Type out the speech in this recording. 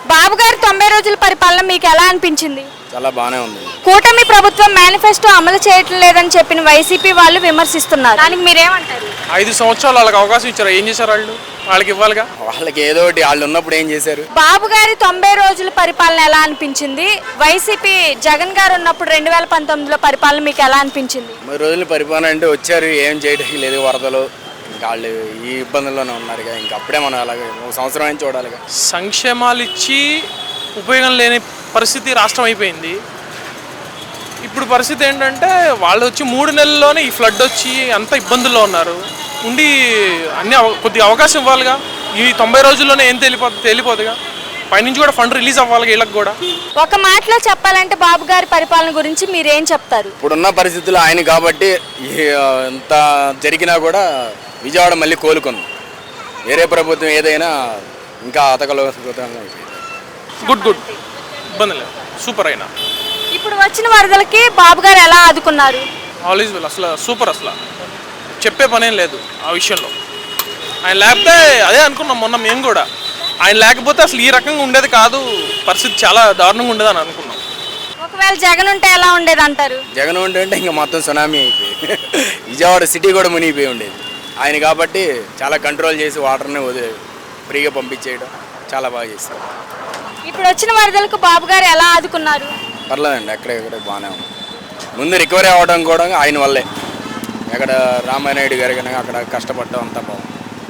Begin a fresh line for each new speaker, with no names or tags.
బాబు గారి 90 రోజుల పరిపాలన మీకు ఎలా అనిపించింది?
చాలా బాగానే ఉంది.
కూటమి ప్రభుత్వం మేనిఫెస్టో అమలు చేయటం లేదని చెప్పిన వైసీపీ వాళ్ళు విమర్శిస్తున్నారు. దానికి మీరేమంటారు?
5 సంవత్సరాలు వాళ్ళకి అవకాశం ఇచ్చారు. ఏం చేశారు వాళ్ళు? వాళ్ళకి ఇవ్వాలిగా.
వాళ్ళకి ఏదో ఒకటి వాళ్ళు ఉన్నప్పుడు ఏం చేశారు?
బాబు గారి 90 రోజుల పరిపాలన ఎలా అనిపించింది? వైసీపీ జగన్ గారు ఉన్నప్పుడు 2019లో పరిపాలన మీకు ఎలా అనిపించింది?
3 రోజుల పరిపాలన అంటే వచ్చారు, ఏం చేయడానికి లేదు, వరదలు, ఇంకా వాళ్ళు ఈ ఇబ్బందుల్లోనే ఉన్నారు. ఇంకా అప్పుడే మనం అలాగే 1 సంవత్సరం అని చూడాలిగా.
సంక్షేమాలు ఇచ్చి ఉపయోగం లేని పరిస్థితి రాష్ట్రం అయిపోయింది. ఇప్పుడు పరిస్థితి ఏంటంటే వాళ్ళు వచ్చి 3 నెలల్లోనే ఈ ఫ్లడ్ వచ్చి అంత ఇబ్బందుల్లో ఉన్నారు. ఉండి అన్ని కొద్దిగా అవకాశం ఇవ్వాలిగా. ఈ 90 రోజుల్లోనే ఏం తేలిపోదుగా. పైనుంచి కూడా ఫండ్ రిలీజ్ అవ్వాలి వీళ్ళకి కూడా.
ఒక మాటలో చెప్పాలంటే బాబు గారి పరిపాలన గురించి మీరేం చెప్తారు?
ఇప్పుడున్న పరిస్థితులు ఆయన కాబట్టి ఎంత జరిగినా కూడా విజయవాడ మళ్ళీ కోలుకుంది. వేరే ప్రభుత్వం ఏదైనా ఇంకా అతకలో
గుడ్ ఇబ్బంది లేదు, సూపర్ అయినా.
ఇప్పుడు వచ్చిన వరదలకి బాబు గారు ఎలా ఆదుకున్నారు?
ఆల్వేస్ వెల్, అసలు సూపర్. అసలు చెప్పే పనేం లేదు ఆ విషయంలో. ఆయన లేకపోతే అదే అనుకున్నాం మొన్న మేము కూడా, ఆయన లేకపోతే అసలు ఈ రకంగా ఉండేది కాదు, పరిస్థితి చాలా దారుణంగా ఉండేది అని అనుకున్నాం.
ఒకవేళ జగన్ ఉంటే ఎలా ఉండేది అంటారు?
జగన్ ఉంటే ఇంకా మొత్తం సునామీ అయిపోయి విజయవాడ సిటీ కూడా మునిగిపోయి ఉండేది. ఆయన కాబట్టి చాలా కంట్రోల్ చేసి వాటర్ని ఫ్రీగా పంపించేయడం చాలా బాగా చేస్తారు.
ఇప్పుడు వచ్చిన వరదలకు బాబు గారు ఎలా ఆదుకున్నారు?
పర్లేదండి, ఎక్కడెక్కడ బాగానే ఉంది. ముందు రికవరీ అవ్వడం కూడా ఆయన వల్లే. ఎక్కడ రామానాయుడు గారు కానీ అక్కడ కష్టపడడం అంతా బాగుంది.